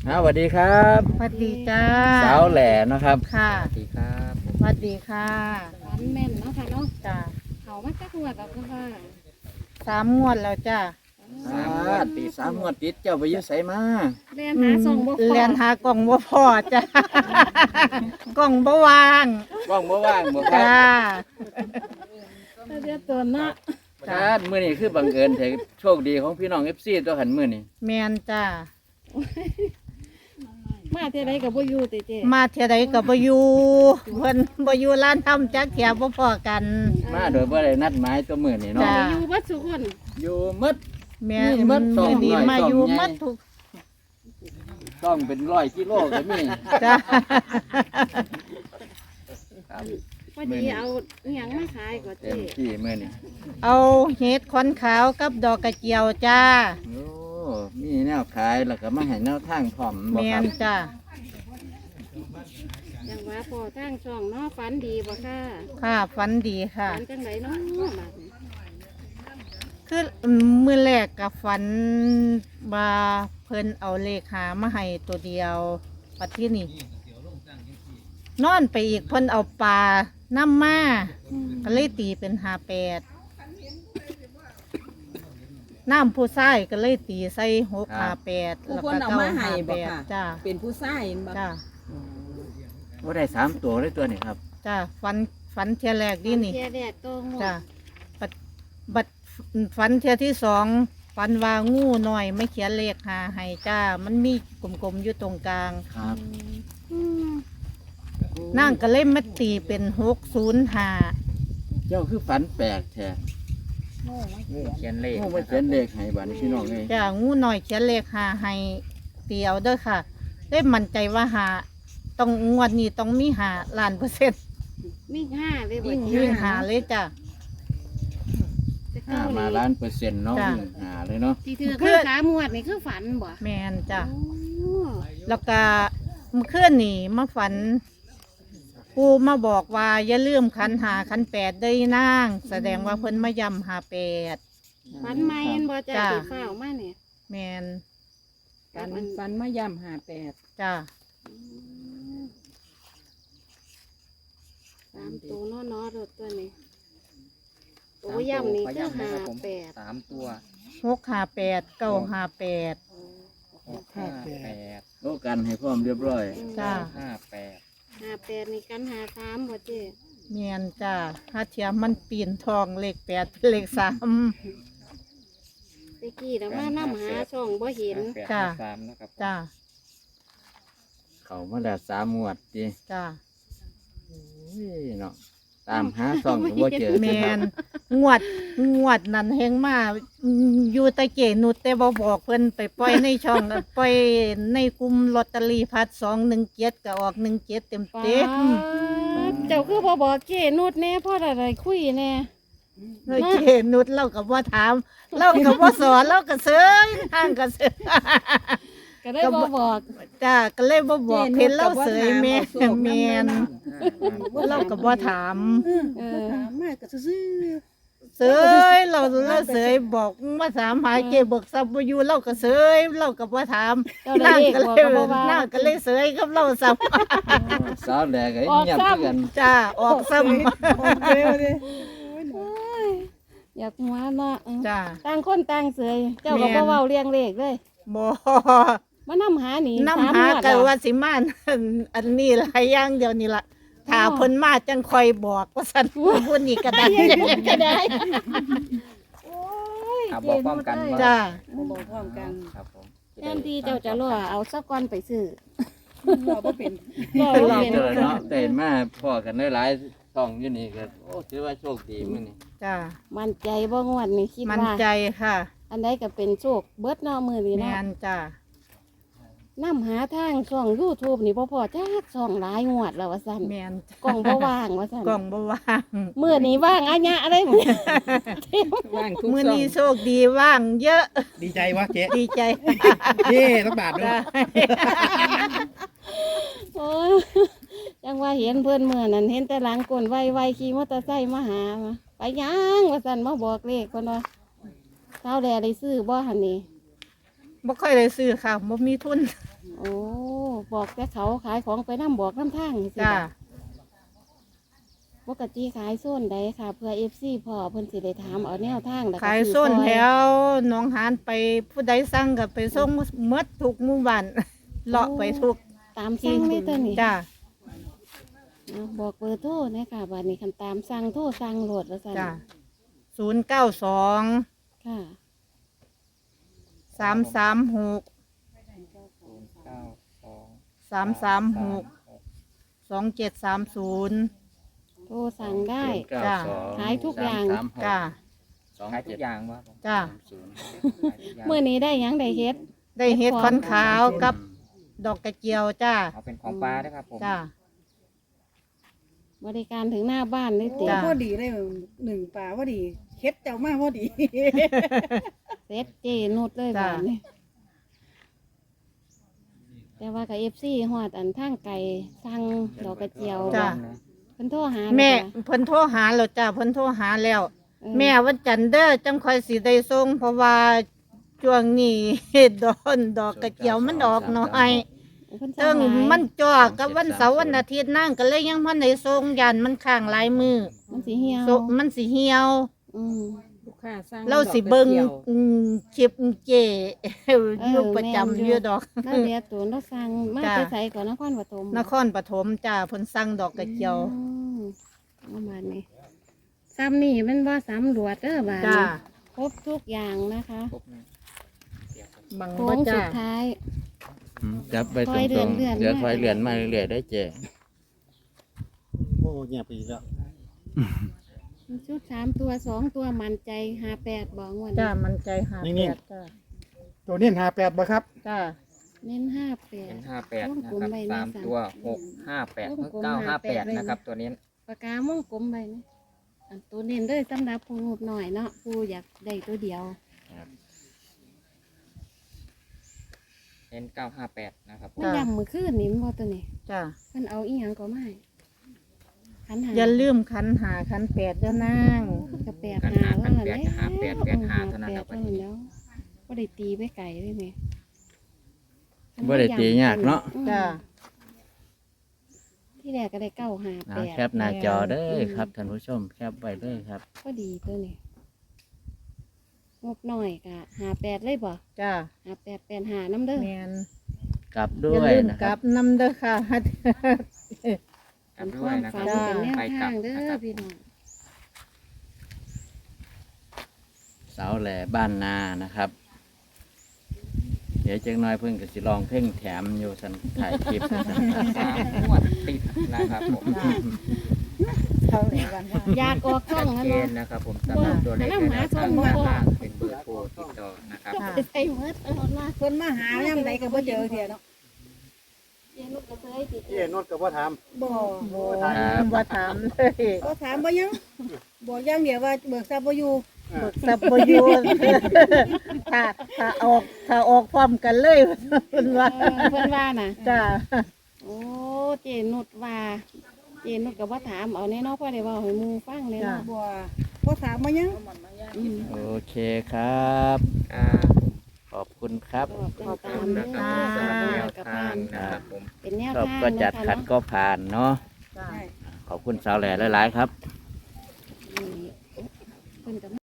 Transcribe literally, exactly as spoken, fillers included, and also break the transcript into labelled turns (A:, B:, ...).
A: สวัสดีครับ
B: สวัสดีจ้า
A: สาวแหล่นะครับ
B: ค่ะ
A: สวัสดีครับ
B: สวัสดีค่ะ
C: ฝันแม่นเนาะค่ะเนาะ
B: จ้า
C: เขามาจักงวดแล้วก็ค่ะ
B: สามงวดแล้วจ้า
A: สามงวดติดสามงวดติดเจ้าไปอยุ่ไสมา
C: เรียนหาส่งบ่พอ
B: เรียนหากล่องบ่พอจ้ากล่องบ่วาง
A: ว่างบ่ว่างบ่ครั
B: จ้า
A: บ
C: เรียนตัวเนาะ
A: จ้ามื้อนี้คือบังเอิญแต่โชคดีของพี่น้อง เอฟ ซี ตัวหันมื้อนี้
B: แมนจ้า
C: มาเท่าไรกับบ่อยู่ติเจ
B: มาเท่าใดก็บ่อยู่เพิ่นบ่อยู่ร้านทำจักเที่ยบ่พอกัน
A: มาโดยบ่ได้นัดหมายตัวมื้อนี้เนาะ
B: จ้า
C: อยู่บัดสุคน
A: อยู่หมด
B: แม่
A: นี่มัดสอง
B: มื้อนี้
A: หน่อย
B: มา
A: สอง
B: อยู่
A: ใหญ่
B: มัดทุก
A: ต้องเป็นร้อยกิโลก็มี
B: จ้า
A: ครับ
C: พอดีเอาอหยังมาขายก็
A: เต็
C: เจ
A: มที่มื้อนี้
B: เอาเห็ดขอนขาวกับดอกกระเจียวจ้า
A: โอ้มีแนวขายแล้วก็มาให้แนวทางพร้อมบ่
B: แม
A: ครั
B: น
A: บ
B: จ้า
C: จังว่าพอทางช่องเนาะฝันดีบ่ค่ะ
B: ค่ะฝันดีค่ะ
C: ฝันจังไดเนาะบัดนี้
B: คือมือแรกกับฝันมาเพิ่นเอาเลขหามาให้ตัวเดียวปัดที่นี่นอนไปอีกเพิ่นเอาปลาน้ำมาก็เลยตีเป็นหาแปดน้ำผู้ชายก็เลยตีใส่หกหาแปด
D: ผู้
B: แล้ว
D: ค
B: ก็
D: นเอา
B: เก้า
D: มา
B: หา
D: ให้
B: แป
D: บ่
B: ด
D: ค่ะ
B: จ้า
D: เป็นผู้ชายเห็นบ่
B: จ้า
A: ว่าได้สามตัวได้ตัวนี่ครับ
B: จ้าฝันฝันเทียแรกดีนี่
C: เที่ยแรกก็งว
B: จ้า
C: ด
B: บัดบัดฝันเทียที่สองฝันว่างูหน่อยไม่เขียนเลขหาให้จ้า มันมีกลมๆอยู่ตรงกลาง
A: ครับ
C: อืม
B: นั่งก็เล่มมาตีเป็นหกศูนย์ห้า
A: เจ้าคือฝันแปลกแท้
E: งูเขียนเลข
A: โอ้มันเป็นเลขให้บัดนี้พี่น้องเอ้ย
B: จ้างูหน่อยเขียนเลขหาให้ตีเอาเด้อค่ะได้มั่นใจว่าหาต้องงวดนี้ต้องมีหาล้านเปอร์เซ็นต์
C: มีห้าเลยบ่
B: ยิ่ง
C: เจ
B: ยิ่งหาเลยจ้า
C: จะ
A: ห้า
C: เข้า
A: มา
C: เลย
A: ล้านเปอร์เซ็นต์เนาะ
B: จ้ะ
A: วิ่งหาเลยเนาะ
C: ที่ถือคือสามงวดนี่คือฝันบ่
B: แมนจ้า
C: โอ้
B: แล้วก็เมื่อคืนนี่มาฝันปูมาบอกว่าอย่าลืมขันหาขันแปดได้นาง แสดงว่าเพิ่นมายำหาแปด
C: ฝันใหม่เห็นบ่จ้า
B: จ้ะ
C: สิฟ้าวมาเนี่ย
B: แมน
D: ฟันฟันมาย่ำหาแปด
B: จ้า
C: สามตัวเนาะเนาะรถตัวนี้ตัวย่ำนี่คือหาแปด
E: สามตัว
B: หกหาแปดเก้าหาแปด
E: หกห้าแปด
A: โอ้กันให้พร้อมเรียบร้อย
B: จ้า
E: ห้าแปด
C: หาแปดนี่กันหาสามบ่เจ๊
B: เมียนจ้าถ้าเทียมมันปีนทองเลขแปดเป็นเลขสาม
C: ตะกี้นะมาน้ำหาช่องบ่เห็น
E: แปด
B: จ้ะ
E: ห้าสามนะครับ
B: จ้า
A: เขามาแล้วสามงวดจี
B: จ้า
A: เนาะตามหาซ่องก็บ่เจอ
B: เมี
A: สิค
B: ย
A: รับ
B: นงวดงวดนั้นแหงมาอยู่ตะเกนุดแต่บ่บอกเพิ่นไปปล่อยในช่อง ปล่อยในกลุ่มลอตเตอรี่พัดสองหนึ่งเจ็ดก็ออกหนึ่งเจ็ดเต็ม
C: ป๊า
B: เต็ม
C: ดเจ้าคือบ่บอกเจ๊นุดแน่เพราะอะไรคุยแน่
B: เลยเกนุดเรากับว่าถามเรากับว่าสอนเราก็เสยทางก็เสย
C: ก็ได้บ่บอก
B: จ้าก็เลยบ่บอกเห็นเราเสยแม่แม่นเรากับว่าถาม
C: เออ
D: ถามมากก็ซื่อ
B: เสยเราเราเสยบอกว่าถามหาเกเบิกซับบ่อยู่เราก็เสยเรากับว่าถาม
C: เจ้าได้เลข
B: ก็
C: บอก
B: เลย
C: ก็บ่ว่า
B: นั่งก็เลยเสยกับเราซ้
A: สาวแหลกไอ้
C: ออก
A: เงียบ
C: ซ้ำ
A: คือกัน
B: ำจ้าออกซ้
D: ๆเจ้าดิ
C: โอ้ยอยากหัวเนาะเออ
B: ำจ้า
C: ต่างคนต่างเสยเจ้าก็
B: แม่
C: บ่
B: น
C: เว้าเรียงเลขเลย
B: บ่
C: มานำหานี่
B: น้ำหา
C: สมงวด
B: กัน
C: แล้ว
B: ว่าสิมาอันอันนี้หลายอย่างเดียวนี่ล่ะถ้า
C: อ๋อ
B: เพิ่นมาจังคอยบอกว่าซั่นผู้นี้ก็ได้
C: ก็ได้
E: อ่ะบอกพร้อมกันว่า
B: จ้า
D: บ่บอกพร้อมกัน
E: ครับผม
C: แทนที่เจ้าจะรอเอาสักก้อนไปซื้อ
D: เราบ่เป็น
C: รอ
A: เจ
C: บ่
A: อ
C: เป็น
A: เนาะแต่มาพ่อกันหลายๆช่องอยู่นี่ก็โอ้ถือว่าโชคดีมื้อนี้
B: จ้า
C: มั่นใจบ่งวดนี่คิด
B: มั่น
C: ว่า
B: ใจค่ะ
C: อันใดก็เป็นโชคเบิดเนาะมื้อนี้
B: แม่
C: เนาะ
B: นจ้า
C: นํหาทางช่อง YouTube นี่บ่พอจักช่องหลายงวดแล้วว่าซั่น
B: แม่นจ้ะ
C: กล้องบ่ว่างว่าซั่น
B: กล่องบ่ว่าง
C: มื้อนี้ว่างอะยะอะไรหมด
D: ว่างทุก
B: มื้อ
D: ช่อง
B: นี้โชคดีว่างเยอะ
F: ดีใจวะเจ๊
B: ดีใจ
F: เย้ต้องบาทด้วย
B: จ้า
C: โอ้ยจังว่าเห็นเพิ่นมื้อนั้นเห็นแต่หลังก้นไวๆขี่มอเตอร์ไซค์มาหามาไปยังว่าซั่นมาบอกเลขเพิ่นว่าเช้าแลได้ซื้อบ่หั่นนี่
B: บ่ค่อยได้ซื้อค่ะบ่มีทุน
C: โอ้บอกแต่เขาขายของไปน้ำบอกน้ำทางสิ
B: จ้า
C: ปกติขายโซนใดค่ะ เพื่อเอฟซีพ่อเพิ่นสิได้ถามเอาแนวทางแล้วก็
B: ขาย
C: ซื้อ
B: ส้น
C: ซอ
B: แถวหนองหานไปผู้ใดสั่งก็ไปส่งหมดทุกหมู่บ้านเลาะไปทุก
C: ตามสั่งเลยตัวนี้
B: จ้า
C: เอาบอกเบอร์โทรนะคะบัดนี้คันตามสั่งโทรสั่งโหลดว่าซั่น
B: จ้าศูนย์เก้าสอง
C: ค่ะ
B: สามสามหก
E: ศูนย์เก้าสอง
B: สามสามหกสองเจ็ดสามศูนย์
C: โทรสั่งได้
B: จ้ะ
C: ขายทุกอย่าง
A: สมสมห
B: จ้า
A: สอง
E: ขายทุ
A: เจ็
E: ก
A: ด
E: อย่างวะผม
B: จ้า
A: ศูนย์
E: ขายทุกอย่าง
C: เมื่อนี้ได้หยังได้เฮ็ด
B: ได้เฮ็ดขอนขาวกับดอกกระเจียวจ้า
E: เอาเป็นของปลาด้วยครับผม
B: จ้า
C: บริการถึงหน้าบ้านเลย
D: โอ้
C: ติ
B: จ้ะ
D: พอดีเลยหนึ่งป่าพอดีเฮ็ดเจ้ามาพอดี
C: เซ็ตเจนุดเลย
B: จ้ะ
C: บ้านนี้แต่ว่ากับเอฟซีฮอดอันทางไก่สั่งดอกกระเจียว
B: จ้ะ
C: เพิ่นโทรหา
B: แม่
C: จ้ะ
B: เพิ่นโทรหาแล้วจ้าเพิ่นโทรหาแล้ว
C: เออ
B: แม่วันจันทร์เด้อจังค่อยสิได้ส่งเพราะว่าช่วงนี้ ดอนดอกกระเจียวมันออกน้อย
C: เพิ่น
B: ซึ่
C: สั่
B: ง
C: งหลาย
B: มันจ่อกับวันเสาร์วันอาทิตย์นั่งก็เลยยังพันได้ส่งยันมันข้างหลายมือ
C: มันสิเหี่ยว
B: โซมันสิเหี่ยว
C: อืม
D: ลูกค้าสร้าง
B: เราสิเบิ่ง
D: ดอกกระจียว
B: อืมคลิปเจ อยู่ประจำอยู่ดอก
C: แล้วเดี๋ยวตัวเราสั่งมา
B: จ้ะ
C: จะใส่ก่อนนครปฐม
B: นครปฐมจ้าเพิ่นสั่งดอกกระเจียว
C: อืมเอาบานนี้ซ้ำนี่มันว่าซ้ำรวดเด้อบาน
B: จ้า
C: นี้ครบทุกอย่างนะคะ
E: ครบนะเดี๋ยวครับ
B: บัง
C: โค้
B: บ่
C: ง
B: จ้า
C: สุดท้าย
A: อืมจับไป
C: ถ
A: ตร
C: อยเดือน
A: ง
C: เดือน
A: ๆเดี๋ยว
C: มา
A: ถอยเรือนมาเรื่อยๆได้เจ
F: โอ้เงียบไปอีกแล้ว
C: ชุดสามตัวสองตัวมันใจหาแปดบอกวัน
B: จ้า
C: นี้
B: มันใจหาแปดจ้า
F: ตัวนี้หาแปดบ่ครับ
B: จ้า
C: เน้นห้าแปด
E: เป็นห้าแปด
C: วง
E: นะ
C: กลม
E: ครับ
C: ใบ
E: สาม
C: ใน
E: ตัวหกห้าแปด
C: วงกลม
E: เก้าห้าแปด
C: ห้าแปด
E: นะครับ ตัวนี้
C: ปากกาม่วงกลมใบนี่อันตัวเน้นด้วยสำหรับผู้งบหน่อยเนาะผู้อยากได้ตัวเดียว
E: เน้นเก้าห้าแปดนะครับผม
C: มันยำมือขึ้นนี่มันบ่ตัวนี้
B: จ้า
C: มันเอาอีหยังก็ไม่ขันหา
B: อย่าลืมคันหาคันแปดเด้อนาง
C: กับแปด
E: กัน
C: หา
E: หากัน
C: ว่า
E: แปด
C: แล้ว
E: หาแปดแปดหาเท่านั้นครับ
C: แปดเท่านั้นแล้วก็ได้ตีไปไก่เลยไหม
A: บ่ได้ตียากเนาะ
C: อืม
B: จ้า
C: ที่แรกก็ได้เก้าหาแป
A: เอา
C: ด
A: แคปหน้าจอเด้อครับท่านผู้ชมแคปไว้เลยครับ
C: ก็ดีตัวนี้งบหน่อยกะหาแปดเลยบ่
B: จ้า
C: หาแปดแปดหาน้ำเด้อ
B: แมน
A: กลับด้
B: อย่า
A: วย
B: ลืม
A: นะ
B: ก
A: ค
B: ลั
A: รั
B: บบ น้ำเด้อค่ะ
E: กลับ
C: เป็น
E: ด้
C: คว วาย ม
E: นะค
C: ฝั
E: รับ
C: นเป็นแนว
E: ไป
C: ทาก
E: ลับ
C: งเด้
E: นะ
C: อ
E: ครับ
C: พี่น้อง
A: เสาแหล่บ้านนานะครับ เดี๋ยวจังน้อยเพิ่งก็สิลองเพ่งแถมอยู่สันถ่ายคลิปสันครับ
E: สามงวดติดนะครับผม
D: เท่าไหร่วันว่า
C: อยากออกช่อง
E: ชัด
C: นั่น
E: เจ
C: เนาะ
E: นนะครับผมสำหรับตัวเลขในแนวทางด้านล่างเป็นเบอร์โทรติดต่อนะครับ
C: ก็ไปใส่เมื่อตลอดมา
D: เพิ่นมาหาย่ำใดก็บ่เจอเที่ยเนาะ
C: เจนุกกระเทยติด
F: เจ๊นวดกับว่าถาม
D: บ่
B: โอ้บ่ถามเลย
D: บ่ถามบ่ยังบอกอย่างเดียวว่าเบิกทรัพย์บ่อยู่
B: เบิกสับประยูนถ้าถ้าออกถ้าออกพร้อมกันเลยเพิ่นว่า
C: เออเพิ่นว่าน่ะ
B: จ้า
C: โอ้เจนุดว่าเจนุดกับว่าถามเอาแน่เนอนพ่อได้เว่าให้หมูฟังเลยเนาะ
D: บ่บ่ถามบ่ยัง
C: อืม
A: โอเคครับ
E: อ่า
A: ขอบคุณครับ
C: ก็เป็นตาม
E: นะ
C: เนื้อ
E: ครับสำหรับแนว
C: กับ
E: ทา
C: ผ่าง น
E: นะครับผม
C: เป็นแนว
A: ชอบ
C: ทาง
A: ก็จัด
C: เนาะ
A: ขัด
C: ค่ะ
A: ก็ผ่านเนาะ
B: จ้า
D: ใช่
A: ขอบคุณสาวแหล่หลายๆครับ
C: นี่เพิ่นกับ